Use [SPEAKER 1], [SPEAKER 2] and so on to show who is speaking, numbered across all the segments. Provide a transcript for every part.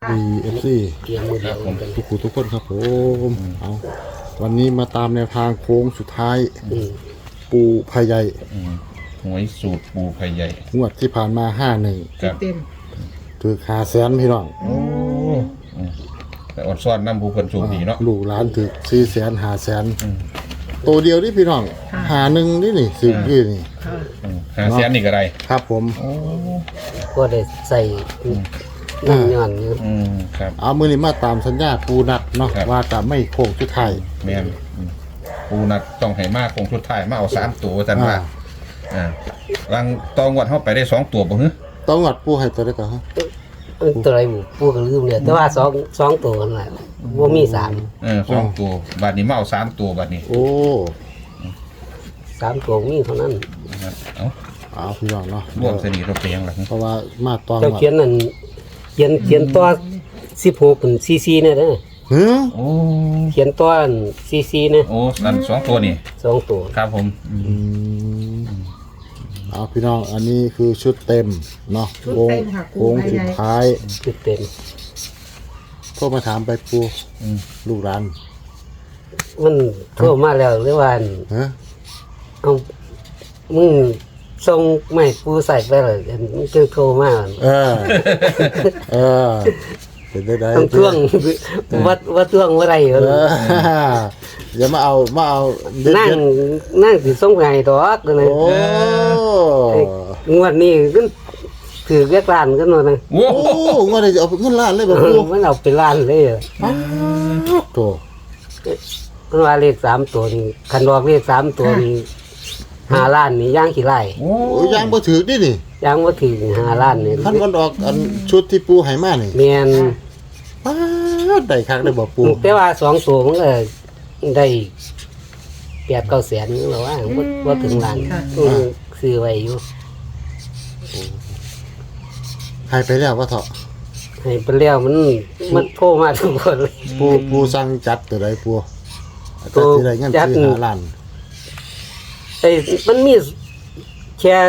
[SPEAKER 1] BFC
[SPEAKER 2] เกียร์มือเดียวกัน
[SPEAKER 1] ทุกคนครับผมเอาวันนี้มาตามแนวทางโค้งสุดท้ายปูพายใหญ่
[SPEAKER 3] หวยสูตรปูไข่ใหญ่
[SPEAKER 1] งวดที่ผ่านมา51
[SPEAKER 3] ครับ
[SPEAKER 4] เต็ม
[SPEAKER 1] ถือ500,000พี่น้อง
[SPEAKER 3] โอ้แต่อดซ่อนน้ำผู้คนสูงดีเนาะ
[SPEAKER 1] ลูกหลานถือ400,000 500,000ตัวเดียวนี่พี่น้อง51นี่สิบนี่นี่
[SPEAKER 3] หาแสนนี่ก็ได้
[SPEAKER 1] ครับผม
[SPEAKER 2] ก็ได้ใส่น้ำย้อนอยู่
[SPEAKER 3] ครับ
[SPEAKER 1] เอามือนี้มาตามสัญญาปูนัดเนาะ
[SPEAKER 3] ครับ
[SPEAKER 1] ว่าจะไม่โค้งสุดท้าย
[SPEAKER 3] แม่นปูนัดต้องให้มากคงชุดท้ายมาเอา3ตัวจันว่ารังตองวัดเข้าไปได้2ตัวบ่ฮึ
[SPEAKER 1] ต้องวัดปูให้ตัวได้ก่อนฮะ
[SPEAKER 2] ตัวไรบุปูก็ลืมเลยแต่ว่าสองตัวนั่นแหละว่ามีสาม
[SPEAKER 3] 2ตัวบัดนี้มาเอา3ตัวบัดนี้
[SPEAKER 1] โอ้
[SPEAKER 2] สามตัวมีเท่านั้น
[SPEAKER 3] เอา
[SPEAKER 1] เอาพี่น้องเนาะ
[SPEAKER 3] ร่วมสนิทเราเพียงล่ะ
[SPEAKER 1] เพราะว่ามาตอน
[SPEAKER 2] เจ้าเขียนนั่นเขียนตัว16เป็นซีเนี่ยนะ
[SPEAKER 1] เฮ้ย
[SPEAKER 3] โอ้
[SPEAKER 2] เขียนตัวซีเนี่ย
[SPEAKER 3] โอ้นั่น2ตัวนี่
[SPEAKER 2] สองตัว
[SPEAKER 3] ครับผม
[SPEAKER 1] เอาพี่น้องอันนี้คือชุดเต็มเนาะโค้งสุดท้าย
[SPEAKER 2] คือเต็ม
[SPEAKER 1] โทรมาถามไปปูลูกร้าน
[SPEAKER 2] มันโทรมาแล้วหรือว่า
[SPEAKER 1] ฮะ
[SPEAKER 2] เอามึงส่งไม่ปูใส่ไปเลยมันจึงโทรมา
[SPEAKER 1] เออเป็นได้
[SPEAKER 2] ต้องท่วงว่าท่วงว่าไร
[SPEAKER 1] เอออย่ามาเอาเด็ด
[SPEAKER 2] นั่งสิส่งไงดอกก็เลย
[SPEAKER 1] โอ้
[SPEAKER 2] งวดนี้ก็ถือเรียกร้านกันหน่อยนะ
[SPEAKER 3] โอ้
[SPEAKER 1] โอ้งวดนี้จะเอาเงินล้านเลยบ่ปู
[SPEAKER 2] มันเอาไปร้านเลย
[SPEAKER 1] โต
[SPEAKER 2] มันว่าเลข3ตัวนี่คันดอกเลข3ตัวนี่5 ล้านนี่ย่างขี้ไร่
[SPEAKER 3] โอ้
[SPEAKER 1] โอ้ยางบ่ถือนี่นี่
[SPEAKER 2] ย่างว่าถึง5 ล้านนี่
[SPEAKER 1] คันวันออกอันชุดที่ปูให้มานี่
[SPEAKER 2] แม่น
[SPEAKER 1] ป๊าดได้คักได้บ่ปู
[SPEAKER 2] แต่ว่า2ตัวมันก็ได้8-9 แสนนี่แหละว่าบ่ถึงล้านซื้อไว้อยู่
[SPEAKER 1] ให้ไปแล้วว่าเถาะ
[SPEAKER 2] ให้ไปแล้วมันโทรมาทุกคนเลย
[SPEAKER 1] ปูสั่งจัดตัวใดปู
[SPEAKER 2] ปู
[SPEAKER 1] จัดที่ใดเงิน
[SPEAKER 2] จัด
[SPEAKER 1] ซื้อ5ล้าน
[SPEAKER 2] ไอ้มันมีแค่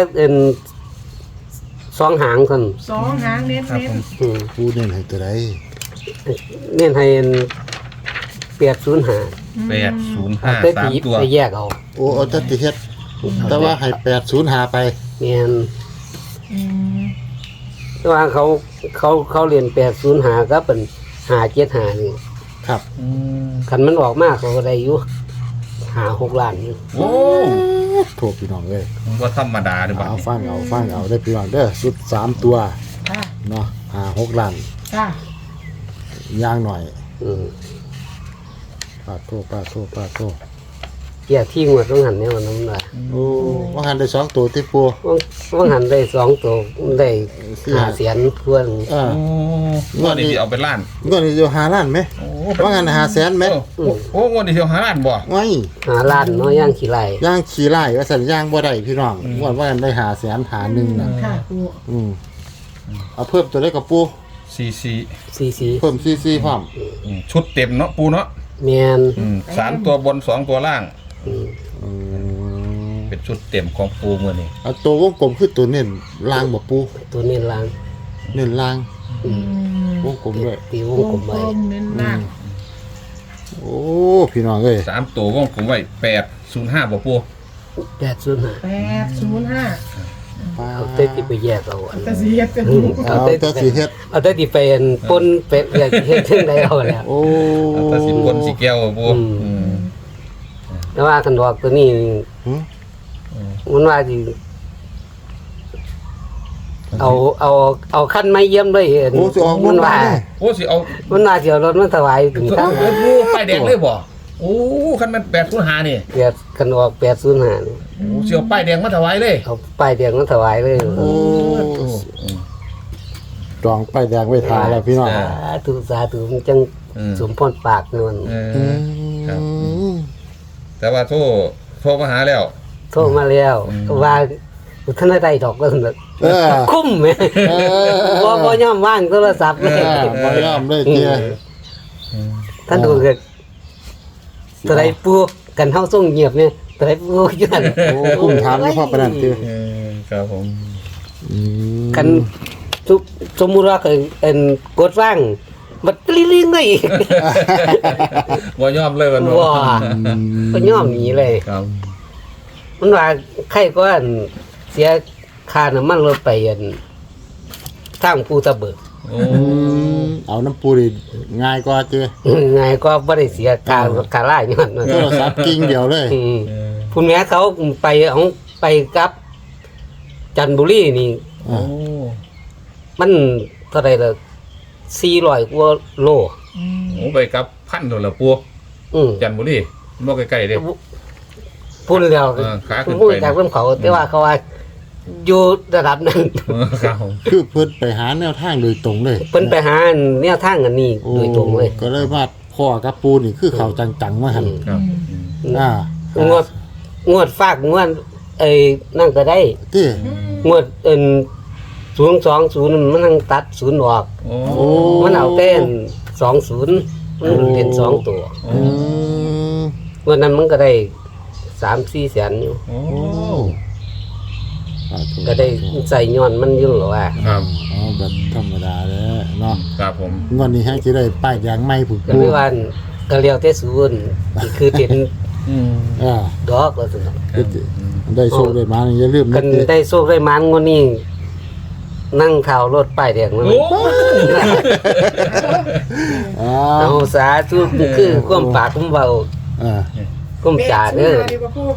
[SPEAKER 2] 2 หางซั่น
[SPEAKER 4] สองหางเน้น
[SPEAKER 3] ครับ
[SPEAKER 4] เน้
[SPEAKER 3] ผ
[SPEAKER 4] น
[SPEAKER 3] ม
[SPEAKER 1] ปูเน้นให้ตัวใด
[SPEAKER 2] เน้นให้805
[SPEAKER 3] 805
[SPEAKER 2] แต่
[SPEAKER 3] 3
[SPEAKER 2] ตี
[SPEAKER 3] ตัว
[SPEAKER 2] ไปแยกเอา
[SPEAKER 1] โอ้เอาจัดที่เฮ็ดแต่ว่าให้805ไป
[SPEAKER 2] แม่น
[SPEAKER 4] อืม
[SPEAKER 2] แต่ว่าเขาเรียน805ก็เป็น575นี่
[SPEAKER 1] ครับ
[SPEAKER 2] คันมันออกมาเขาก็ได้อยู่5-6 ล้านอยู่
[SPEAKER 3] โอ้
[SPEAKER 1] โทษพี่น้องเอ้ย
[SPEAKER 3] ว่าธรรมดาหรือเปล่า
[SPEAKER 1] เอาฟังเอาได้พี่น้องเด้อสุด3ตัว
[SPEAKER 4] ค่ะ
[SPEAKER 1] เนาะ6ล้าน
[SPEAKER 4] ค่ะ
[SPEAKER 1] ย่างหน่อย
[SPEAKER 2] อืม
[SPEAKER 1] ปาโทษ
[SPEAKER 2] เกียที่งวดต้องหันเนี่ยมันน้ำลาย
[SPEAKER 1] โอ้ว่าหันได้2ตัวที่ปู
[SPEAKER 2] ต้องหันได้2ตัวได้5 แสนทวน
[SPEAKER 1] เออ
[SPEAKER 3] โอ้งวดนี้สิเอาไปล้าน
[SPEAKER 1] เงินนี่อยู่5ล้านไหม
[SPEAKER 3] โอ้
[SPEAKER 1] ว่าหัน500,000ไหม
[SPEAKER 3] โอ้งวดนี้สิเอา5ล้านบ่
[SPEAKER 1] ไว้
[SPEAKER 2] 5 ล้านน้อยย่างขี้ไหล
[SPEAKER 1] ย่างขี่ไล่ว่าสัญย่างบ่ได้พี่น้องว่าหันได้500,000หาหนึ่งน่ะ
[SPEAKER 4] ค่ะปู
[SPEAKER 1] เอาเพิ่มตัวได้กับปู
[SPEAKER 3] CC
[SPEAKER 2] 44
[SPEAKER 1] เพิ่มซีพร้อม
[SPEAKER 3] ชุดเต็มเนาะปูเนาะ
[SPEAKER 2] แม่น
[SPEAKER 3] 3ตัวบน2ตัวล่าง
[SPEAKER 2] อืม
[SPEAKER 3] เป็นชุดเต็มของปูมื้อนี้
[SPEAKER 1] เอาตัววงกลมคือตัวเน้นล่างบ่ปู
[SPEAKER 2] ตัวนี้ล้าง
[SPEAKER 1] เน้นล่าง
[SPEAKER 4] อืม
[SPEAKER 1] วงกลมด้วย
[SPEAKER 2] ตีว
[SPEAKER 4] ว
[SPEAKER 2] ง
[SPEAKER 4] ง
[SPEAKER 2] กลม
[SPEAKER 4] กล
[SPEAKER 2] ไว้
[SPEAKER 4] มเน้นหนัก
[SPEAKER 1] โอ้พี่น้องเอ้ย
[SPEAKER 3] 3ตัววงผมไว้805บ่ปู
[SPEAKER 2] 805
[SPEAKER 4] 805
[SPEAKER 2] เอาแต่ที่ไปแยกเอาอัน
[SPEAKER 4] แต่สีเฮ็ดเป็น
[SPEAKER 2] อืม
[SPEAKER 1] เอาแต่สิเฮ็ด
[SPEAKER 2] เอาแต่ที่เป็นปนเป็ดอยากเฮ็ดจังไดเอาแล้ว
[SPEAKER 1] โอ้
[SPEAKER 3] ตัดสินบนสิแก้วบ่ปู
[SPEAKER 2] แต่ว่าคันดอกตัวนี้
[SPEAKER 1] หึ
[SPEAKER 2] มันว่าสิเอาขั้นไม้เยี่ยมด้วยเห็น
[SPEAKER 1] โอ้สิออก
[SPEAKER 2] มันว่า
[SPEAKER 3] โอ้สิเอา
[SPEAKER 2] มันว่าสิเอารถมาถวายถึงตั้ง
[SPEAKER 3] ปูป้ายแดงเลยบ่โอ้คันมัน805นี่
[SPEAKER 2] เปียดคันออก805นี่
[SPEAKER 3] โอ้สิเอาป้ายแดงมาถวายเลย
[SPEAKER 2] เอาป้ายแดงมาถวายเลย
[SPEAKER 1] โอ้จองป้ายแดงไว้ทาแล้วพี่น้อง
[SPEAKER 2] สาธุมันจังสมพรปากนวล
[SPEAKER 3] ครับแต่ว่าโทรมาหาแล้ว
[SPEAKER 2] โทรมาแล้วว่าท่านได้ดอกก็สำเร็จ
[SPEAKER 1] เออ
[SPEAKER 2] คุ้มแหม บ่ยอมว่างโทรศัพท์
[SPEAKER 1] เอ
[SPEAKER 2] เลย
[SPEAKER 1] อบ่ยอมเลยเตี้ย
[SPEAKER 2] ท่านดูเกิดตัวใดปูกันเฮาส่งเงียบเนี่ยตัวใดปูอยู่นั่น
[SPEAKER 1] โอ้ผมถามแล้วพ่อปานนั้นเตี้ย
[SPEAKER 3] ครับผม
[SPEAKER 2] กันสมมุติว่าเคยกดว่างมันกลิ้งๆเลยอีก
[SPEAKER 3] ว่ายอมเลยวัน
[SPEAKER 2] ว้าก็ย่อมหนีเลย
[SPEAKER 3] ครับ
[SPEAKER 2] มันว่าใครก็เสียค่าน้ำมันรถไปทางภูตะเบิก
[SPEAKER 3] โอ้
[SPEAKER 1] เอาน้ำปูดิง่ายกว่าเจ้
[SPEAKER 2] ไงก็บ่ได้เสียค่าล่าย้อนว่า
[SPEAKER 1] โทรศัพท์กิ้งเดียวเลย
[SPEAKER 2] คุณแม่เขาไปกับจันทบุรีนี่
[SPEAKER 3] โอ้
[SPEAKER 2] มันเท่าไหร่ละ400กว่าโล
[SPEAKER 3] โหไปกับพันโดนละปู จันทบุรีบ่ใกล้ๆเด้
[SPEAKER 2] พูดแล้ว
[SPEAKER 3] ขาขึ้นไป
[SPEAKER 2] พูดจากเรื่องเขาแต่ว่าเขาว่าอยู่ระดับนั้น
[SPEAKER 3] ครับ
[SPEAKER 1] คือเพิ่นไปหาแนวทางโดยตรงเลย
[SPEAKER 2] เพิ่นไปหาแนวทางอันนี้โดยตรงเลย
[SPEAKER 1] ก็เลยว่าพ่อกับปูนี่คือเขาจังๆว่าหั่น
[SPEAKER 3] ครับ
[SPEAKER 2] งวดฝากงวดนั่นก็ได้
[SPEAKER 1] ติ
[SPEAKER 2] งวด020มันนั่งตัด0ออก
[SPEAKER 3] โอ้
[SPEAKER 1] โอ้
[SPEAKER 2] มันเอาแต่20มันเป็น2ตัว
[SPEAKER 3] โอ้
[SPEAKER 1] อืม
[SPEAKER 2] งวดนั้นมันก็ได้3-4แสนอยู่
[SPEAKER 3] โอ้
[SPEAKER 1] โอ้
[SPEAKER 2] ก็ได้ใส่ย้อนมันอยู่หรอว่า
[SPEAKER 3] ครับ
[SPEAKER 1] อ๋อแบบธรรมดาแล้วเนาะ
[SPEAKER 3] ครับผม
[SPEAKER 1] งวดนี้ให้สิได้ป้ายยางใหม่ผู้
[SPEAKER 2] ก็
[SPEAKER 1] ปู
[SPEAKER 2] เลยว่าก็เรียวแต่ศูนย์นี่คือเป็น
[SPEAKER 3] อืม
[SPEAKER 1] อ่า
[SPEAKER 2] ดอกว่าซั่น
[SPEAKER 1] คือได้โชคได้มาอย่าลืม
[SPEAKER 2] กั
[SPEAKER 1] นะ
[SPEAKER 2] นได้โชคได้มันงวดนี้นั่งข่าวรถป้ายแดงมา
[SPEAKER 3] โอ้
[SPEAKER 1] อ่า
[SPEAKER 2] เอาสาธุคือความปากความเว้า
[SPEAKER 1] อ่า
[SPEAKER 2] ความจ่าเด้อ
[SPEAKER 4] ดีกว่าพูด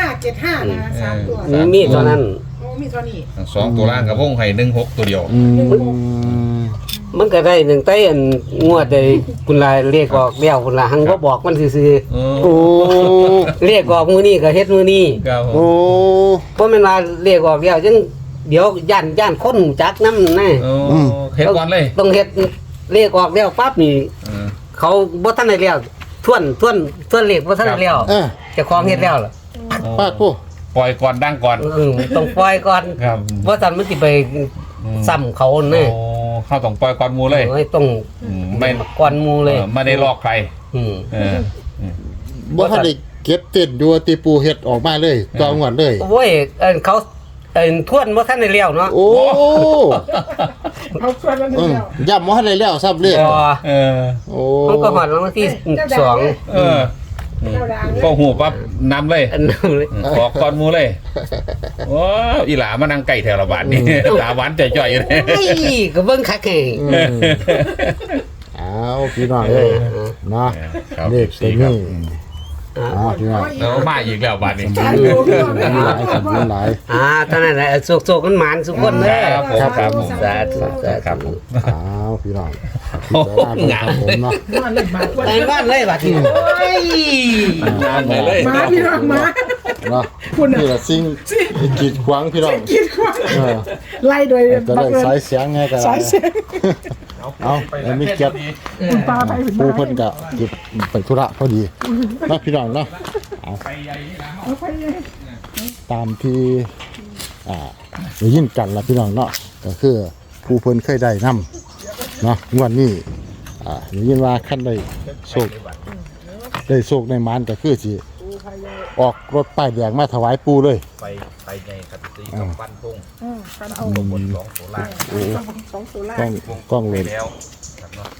[SPEAKER 4] 575นะ3ตัว
[SPEAKER 2] มีเท่านั้น
[SPEAKER 4] โอ้มีเท่านี้
[SPEAKER 3] 2ตัวล่างกับวงให้16ตัวเดียว
[SPEAKER 1] อืม
[SPEAKER 2] มันก็ได้หนึ่งไต้อันงวดได้คุณลาเรียกออกแล้วคุณลาหังบ่บอกมันซื่อ
[SPEAKER 1] โอ้
[SPEAKER 2] ๆเรียกออกมื้อนี้ก็เฮ็ดมื้อนี้
[SPEAKER 3] ครับผ
[SPEAKER 1] โอ้
[SPEAKER 3] ม
[SPEAKER 2] บ่แม่นว่าเรียกออกแล้วจังเดี๋ยวย่านคนรู้จักนำนะ
[SPEAKER 3] โอ้เฮ็ดก่อนเลย
[SPEAKER 2] ต้องเฮ็ดเรียกออกแล้วปั๊บนี่
[SPEAKER 3] เออ
[SPEAKER 2] เขาบ่ทันได้แล้วทวนเลขบ่ทันได้แล้ว
[SPEAKER 1] เออ
[SPEAKER 2] เจ้าของเฮ็ดแล้วล่ะ
[SPEAKER 1] ป้าดผู้
[SPEAKER 3] ปล่อยก่อนดังก่อน
[SPEAKER 2] ต้องปล่อยก่อน
[SPEAKER 3] ครับ
[SPEAKER 2] บ่ทันมันสิไปซ้ำเขา
[SPEAKER 3] โอ้
[SPEAKER 2] เน่
[SPEAKER 3] เข้าต้องปล่อยก่อนหมูเลย
[SPEAKER 2] ต้อง
[SPEAKER 3] ไม่
[SPEAKER 2] ก่อนหมู่เลย
[SPEAKER 3] ไม่ได้ลอกใคร
[SPEAKER 2] อืม
[SPEAKER 3] เออ
[SPEAKER 1] บ่ทันได้เก็บเต้นอยู่ตีปูเฮ็ดออกมาเลยต่องวดเลย
[SPEAKER 2] โอ้ยเขาทวนบ่ทันได้แล้วเนาะ
[SPEAKER 1] โอ้
[SPEAKER 4] เอาส่วนมัน
[SPEAKER 1] อืม
[SPEAKER 4] แล้ว
[SPEAKER 1] ย่ำบ่ทันได้แล้วซับเลย
[SPEAKER 2] พอ
[SPEAKER 3] เออ
[SPEAKER 1] โอ้
[SPEAKER 2] มันก็หอดรางวัลที่สอง
[SPEAKER 3] เออ
[SPEAKER 4] เจ้าดัง
[SPEAKER 3] ก็หูปั๊บนำเลย
[SPEAKER 2] อันนั้นเลย
[SPEAKER 3] ขอก่อนหมูเลยว้าวอีหลามานั่งไก่แถวละบาทนี่ตาหวานใจจ่อยอยู่เลย
[SPEAKER 2] ไอ้ก็เบิ่งคักแห่ง
[SPEAKER 1] อืมเอาพี่น้องเอ้ยเนาะ
[SPEAKER 3] ครับ
[SPEAKER 1] เลขตัวนี้เอาพี่น้อง
[SPEAKER 3] แล้วมาอีกแล้วบาทนี้
[SPEAKER 4] สามตัวพี่น้อง
[SPEAKER 1] หลายครับหลาย
[SPEAKER 2] เท่านั้นแหละสุกๆมันหมานสุกคนเด้อ
[SPEAKER 3] ครับผมครับผม
[SPEAKER 2] สาธุสา
[SPEAKER 3] ครับผ
[SPEAKER 2] ธุ
[SPEAKER 3] ม
[SPEAKER 1] เอาพี่น้องพิจารณาดูครับผมเนาะ
[SPEAKER 4] นอนเล่นหมาอ้วน
[SPEAKER 2] แต่งบ้านเลยบัดนี้โอ้ย
[SPEAKER 3] งานไหนเลย
[SPEAKER 4] หมาพี่น้องหมา
[SPEAKER 1] เนาะนี่แหละสิ่งที่กีดขวางพี่น้อง
[SPEAKER 4] กินขวาง
[SPEAKER 1] เออ
[SPEAKER 4] ไล่โดย
[SPEAKER 1] จะ
[SPEAKER 4] บั
[SPEAKER 1] ได้
[SPEAKER 4] งเอิญ
[SPEAKER 1] สายเสียงไงกัน
[SPEAKER 4] สายเสียง
[SPEAKER 1] เอาแล้วมีเกียรติ
[SPEAKER 4] คุณปลาไปเป็น
[SPEAKER 1] ปูเพิ่นก็หยุดไปธุระพอดีเนาะพี่น้องเนาะเอา
[SPEAKER 4] เอาไปเลย
[SPEAKER 1] ตามที่ได้ยินกันละพี่น้องเนาะก็คือปูเพิ่นเคยได้นํเนาะงวดนี้ได้ยินว่าคันได้โชคในมานก็คือสิออกรถป้ายแดงมาถวายปูเลย
[SPEAKER 3] ไปไงครับตีกับฟันพง
[SPEAKER 4] กันเอา
[SPEAKER 3] บน2ตัวล่าง
[SPEAKER 4] สองตัวล่าก
[SPEAKER 1] ล้องเลย
[SPEAKER 3] แล้วครับเนาะ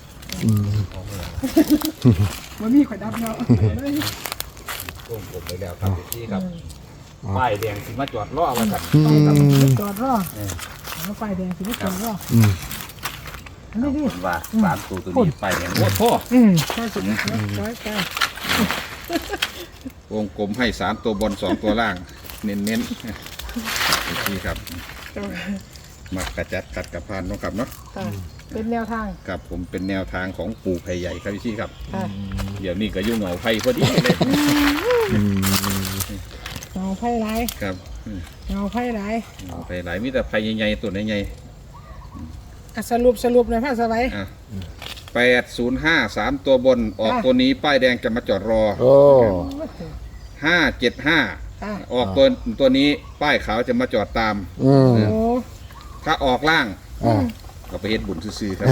[SPEAKER 4] มันมีข่อยดับเนาะ
[SPEAKER 3] วงกลมไปแล้วครับที่ครับป้ายแดงสิมาจอดรอไว้ครับ
[SPEAKER 4] จอดรอเอาไฟแดงสิไม่จอดรออันนี้ดิ
[SPEAKER 3] ว่า3ตัวนี้ป้ายแดงโอ้โห
[SPEAKER 4] ใช่สุดร้อยไป
[SPEAKER 3] วงกลมให้3ตัวบน2ตัวล่าง เน้นๆที่ครับมากระจัดกัดกระพานเนาะครับเนาะ
[SPEAKER 4] เป็นแนวทาง
[SPEAKER 3] ครับผมเป็นแนวทางของปู่ไผ่ใหญ่ครับพี่ครับ
[SPEAKER 4] ค่ะ
[SPEAKER 3] เดี๋ยวนี้ก็ยุ่งเหงาไผ่พอดีเลย
[SPEAKER 4] เงาไพ่ไร
[SPEAKER 3] ครับ
[SPEAKER 4] เงาไพ่ไร
[SPEAKER 3] เหงาไผ่หลายมีแต่ไผ่ใหญ่ๆตัวใหญ่
[SPEAKER 4] สรุปหน่อยพ่อสบาย
[SPEAKER 3] ๆอ่ะ805 3ตัวบนออกตัวนี้ป้ายแดงจะมาจอดรอ
[SPEAKER 1] โอ้
[SPEAKER 3] 575 ออกตัวนี้ป้ายขาวจะมาจอดตาม
[SPEAKER 1] อืม
[SPEAKER 4] โอ้
[SPEAKER 3] ถ้าออกล่าง
[SPEAKER 1] อ่า
[SPEAKER 3] ก็ไปเฮ็ดบุญซื่อๆครับ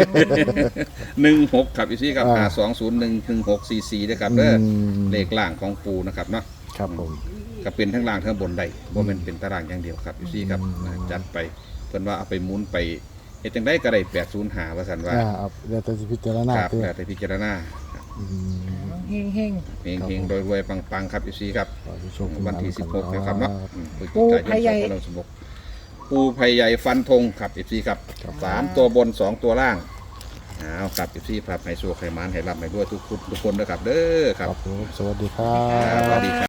[SPEAKER 3] 16ครับพี่ซี่ครับ 2011644ด้วยครับเด้อเลขล่างของปูนะครับเนาะ
[SPEAKER 1] ครับผม
[SPEAKER 3] ก็เป็นทั้งล่างทั้งบนได้บ่แม่นเป็นตารางอย่างเดียวครับพี่ซี่ครับจัดไปเพิ่นว่าเอาไปหมุนไปเฮ็ดจังไดก็ได้805ว่าซั่นว่า
[SPEAKER 1] เอาเดี๋ยวจะพิจารณา
[SPEAKER 3] ครับ
[SPEAKER 1] เพื่อ
[SPEAKER 3] แล้วแต่พิจารณา
[SPEAKER 4] เฮงเฮง
[SPEAKER 3] เฮงๆรวยๆปังๆครับอีซี่ครับ
[SPEAKER 1] ขอให้โชคดี
[SPEAKER 3] วันที่ 16นะครับเนาะพฤศ
[SPEAKER 4] ปู
[SPEAKER 3] จิกายน
[SPEAKER 4] พายใหญ่
[SPEAKER 3] 2516ปูไผ่ใหญ่ฟันธงครับอีซี่ครับ3ตัวบน2ตัวล่างเอาครับอีซี่ครับให้โชคให้หมานให้ร่ำให้รวยทุกคนนะครับเด้อค
[SPEAKER 1] ค
[SPEAKER 3] รั
[SPEAKER 1] รั
[SPEAKER 3] บบ
[SPEAKER 1] ผมสวัสดีครั
[SPEAKER 3] ครับสวั
[SPEAKER 1] บ
[SPEAKER 3] สดีครับ